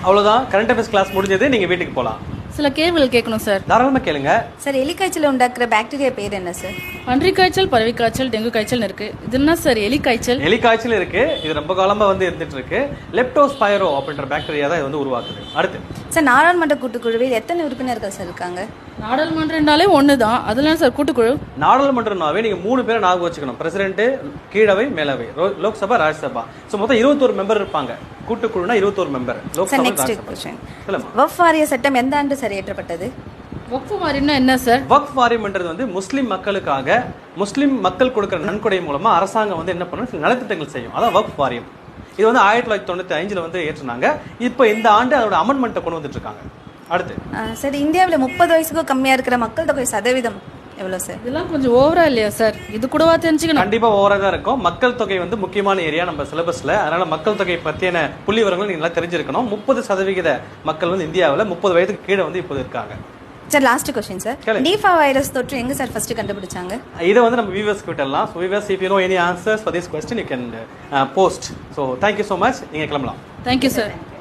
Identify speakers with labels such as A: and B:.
A: அவ்வளவுதான், current affairs class முடிஞ்சது, நீங்க வீட்டுக்கு போலாம்.
B: சில கேள்விகள் கேட்கணும் சார்.
A: தாராளமா கேளுங்க.
C: சார் எலிக்காய்ச்சல் உண்டாக்குற பாக்டீரியா பேர் என்ன சார்?
B: பன்றி காய்ச்சல், பறவை காய்ச்சல், டெங்கு காய்ச்சல் இருக்கு. இது என்ன சார் எலி காய்ச்சல்?
A: எலி காய்ச்சல் இருக்கு, இது ரொம்ப காலமா வந்து இருந்துட்டு இருக்கு. லெப்டோஸ்பைரோ அப்படின்ற பாக்டீரியா தான் இது வந்து உருவாக்குது. அடுத்து
C: சார் நாடாளுமன்ற கூட்டுக்குழுவில் எத்தனை உறுப்பினர்கள் சார் இருக்காங்க?
B: நாடாளுமன்றம்னாலே ஒன்று தான், அதெல்லாம் சார் கூட்டுக்குழு.
A: நாடாளுமன்றம்னாவே நீங்க 3 பேரை ஞாபகம் வச்சுக்கணும். பிரசிடென்ட், கீழவை, மேலவை, லோக்சபா, ராஜ்யசபா. ஸோ மொத்தம் 21 மெம்பர் இருப்பாங்க. கூட்டுக்குழுனா 21 மெம்பர்.
C: சார் நெக்ஸ்ட் क्वेश्चन, வக்ஃப் வாரிய சட்டம் எந்த ஆண்டு சார் இயற்றப்பட்டது?
B: வக்ஃப் வாரியம்னா என்ன சார்?
A: வக்ஃப் வாரியம்ன்றது வந்து முஸ்லிம் மக்களுக்காக, முஸ்லிம் மக்கள் கொடுக்குற நன்கொடை மூலமா அரசாங்கம் வந்து என்ன பண்ணும், சில நலத்திட்டங்கள் செய்யும். அதான் வக்ஃப் வாரியம். இது வந்து 1995 வந்து ஏற்றுனாங்க. இப்போ இந்த ஆண்டு அதோட அமெண்ட்மெண்ட்டை கொண்டு வந்துட்டு இருக்காங்க. அடுத்து
C: சார் இந்தியாவில் 30 வயசுக்கும் கம்மியா இருக்கிற மக்கள் தொகை சதவீதம் எவ்வளோ சார்?
B: இதெல்லாம் கொஞ்சம் ஓவரா இல்லையா சார்? இது கூடவா தெரிஞ்சுக்கணும்?
A: கண்டிப்பா ஓவரா தான் இருக்கும். மக்கள் தொகை வந்து முக்கியமான ஏரியா நம்ம சிலபஸ்ல. அதனால மக்கள் தொகை பற்றியான புள்ளி விவரங்கள் நீங்க நல்லா தெரிஞ்சிருக்கணும். 30% மக்கள் வந்து இந்தியாவில் 30 வயதுக்கு கீழே வந்து இப்போ இருக்காங்க.
C: Sir last question sir, Nipah virus தொற்று எங்க சார் ஃபர்ஸ்ட் கண்டுபிடிச்சாங்க?
A: இதை வந்து நம்ம வியூவர்ஸ் விட்டலாம். So viewers, if you know any answers for this question you can post. So thank you so much. நீங்க கிளம்பலாம்.
B: Thank you sir.